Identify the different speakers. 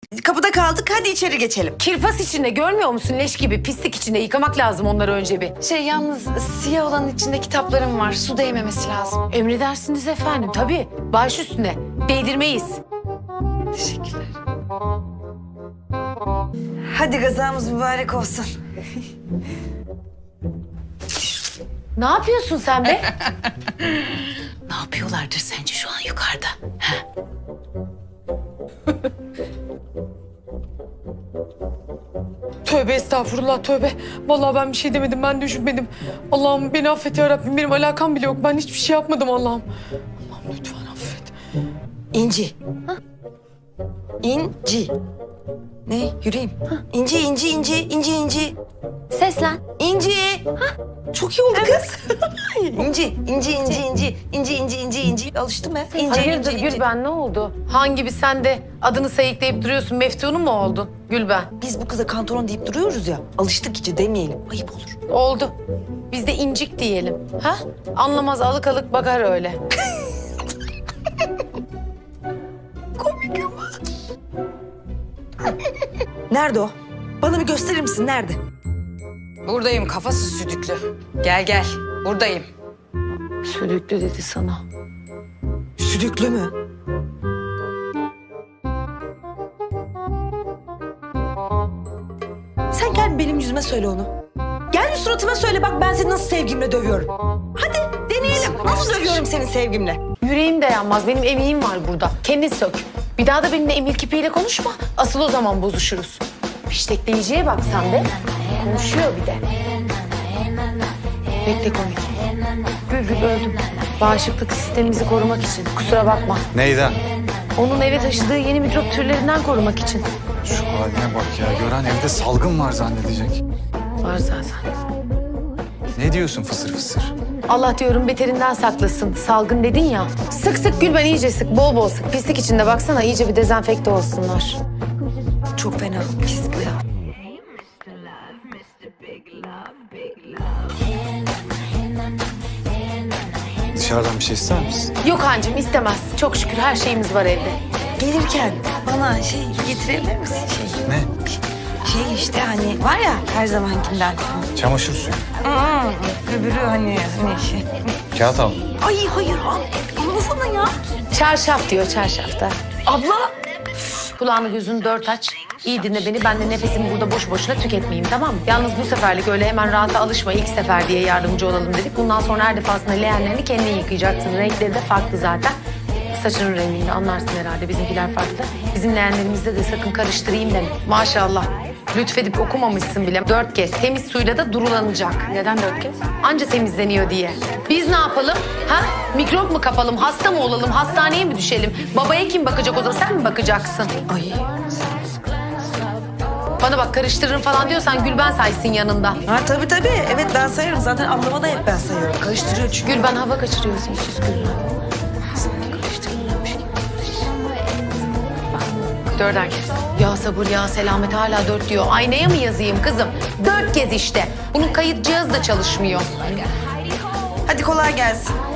Speaker 1: Kapıda kaldık, hadi içeri geçelim.
Speaker 2: Kirpas içinde görmüyor musun? Leş gibi pislik içinde yıkamak lazım onları önce bir.
Speaker 3: Yalnız siyah olanın içinde kitaplarım var. Su değmemesi lazım.
Speaker 2: Emredersiniz efendim tabii. Baş üstüne. Değdirmeyiz.
Speaker 3: Teşekkürler.
Speaker 1: Hadi gazamız mübarek olsun.
Speaker 2: Ne yapıyorsun sen be?
Speaker 3: Ne yapıyorlardır sence şu an yukarıda?
Speaker 4: Tövbe estağfurullah tövbe. Vallahi ben bir şey demedim, ben düşünmedim. Allah'ım beni affet ya Rabbim, benim alakam bile yok. Ben hiçbir şey yapmadım Allah'ım. Allah'ım lütfen affet.
Speaker 1: İnci. İnci. Ne? Yürüyeyim. İnci, inci, inci, inci, inci.
Speaker 2: Seslen.
Speaker 1: İnci. Çok iyi oldu kız. İnci, inci, inci, inci, inci, inci, inci, inci. Alıştım ben. İnci,
Speaker 2: Hayırdır
Speaker 1: inci, inci.
Speaker 2: Gülben ne oldu? Hangi bir sen de adını sayıklayıp duruyorsun? Meftunun mu oldun Gülben?
Speaker 1: Biz bu kıza kantoron deyip duruyoruz ya. Alıştık iyice demeyelim. Ayıp olur.
Speaker 2: Oldu. Biz de incik diyelim. Ha? Anlamaz alık alık bakar öyle.
Speaker 1: Komik ama. Nerede o? Bana bir gösterir misin? Nerede?
Speaker 3: Buradayım kafası südüklü. Gel gel. Buradayım.
Speaker 2: Sülüklü dedi sana.
Speaker 1: Südüklü mü? Sen gel benim yüzüme söyle onu. Gel bir suratıma söyle, bak ben seni nasıl sevgimle dövüyorum. Hadi deneyelim. Nasıl dövüyorum seni sevgimle?
Speaker 2: Yüreğim dayanmaz. Benim emeğim var burada. Kendin sök. Bir daha da benimle emir kipiyle konuşma. Asıl o zaman bozuşuruz. Fiştekleyiciye bak sen de. Konuşuyor bir de. Bekle komik. Gül öldüm. Bağışıklık sistemimizi korumak için. Kusura bakma.
Speaker 5: Neyden?
Speaker 2: Onun eve taşıdığı yeni mikrop türlerinden korumak için.
Speaker 5: Şu haline bak ya. Gören evde salgın var zannedecek.
Speaker 2: Var zaten.
Speaker 5: Ne diyorsun fısır fısır?
Speaker 2: Allah diyorum beterinden saklasın. Salgın dedin ya. Sık sık Gülben iyice sık. Bol bol sık. Pislik içinde baksana iyice bir dezenfekte olsunlar.
Speaker 1: Çok fena. Pis bu ya.
Speaker 5: Dışarıdan bir şey ister misin?
Speaker 2: Yok hancım istemez. Çok şükür her şeyimiz var evde.
Speaker 1: Gelirken bana şey getirebilir misin?
Speaker 5: Ne?
Speaker 1: Şey işte hani var ya her zamankinden.
Speaker 5: Çamaşır suyu.
Speaker 1: Öbürü hani şey.
Speaker 5: Kağıt al.
Speaker 1: Ay hayır almasana ya.
Speaker 2: Çarşaf diyor çarşafta.
Speaker 1: Abla.
Speaker 2: Kulağını gözünü dört aç. İyi dinle beni. Ben de nefesimi burada boş boşuna tüketmeyeyim tamam mı? Yalnız bu seferlik öyle hemen rahata alışma. İlk sefer diye yardımcı olalım dedik. Bundan sonra her defasında leğenlerini kendin yıkayacaksın. Renkleri de farklı zaten. Saçının rengini anlarsın herhalde. Bizimkiler farklı. Bizim leğenlerimizde de sakın karıştırayım deme. Maşallah. Lütfedip okumamışsın bile. 4 kez. Temiz suyla da durulanacak. Neden 4 kez? Anca temizleniyor diye. Biz ne yapalım? Ha? Mikrop mu kapalım? Hasta mı olalım? Hastaneye mi düşelim? Babaya kim bakacak o da? Sen mi bakacaksın?
Speaker 1: Ay.
Speaker 2: Bana bak karıştırırım falan diyorsan Gülben saysın yanında.
Speaker 1: Ha tabii. Evet ben sayarım. Zaten ablama da hep ben sayıyorum. Karıştırıyor çünkü.
Speaker 2: Gülben hava kaçırıyorsun sus Gülben. Dörder kez. Ya sabır ya selamet hala 4 diyor. Aynaya mı yazayım kızım? 4 kez işte. Bunun kayıt cihazı da çalışmıyor.
Speaker 1: Hadi kolay gelsin.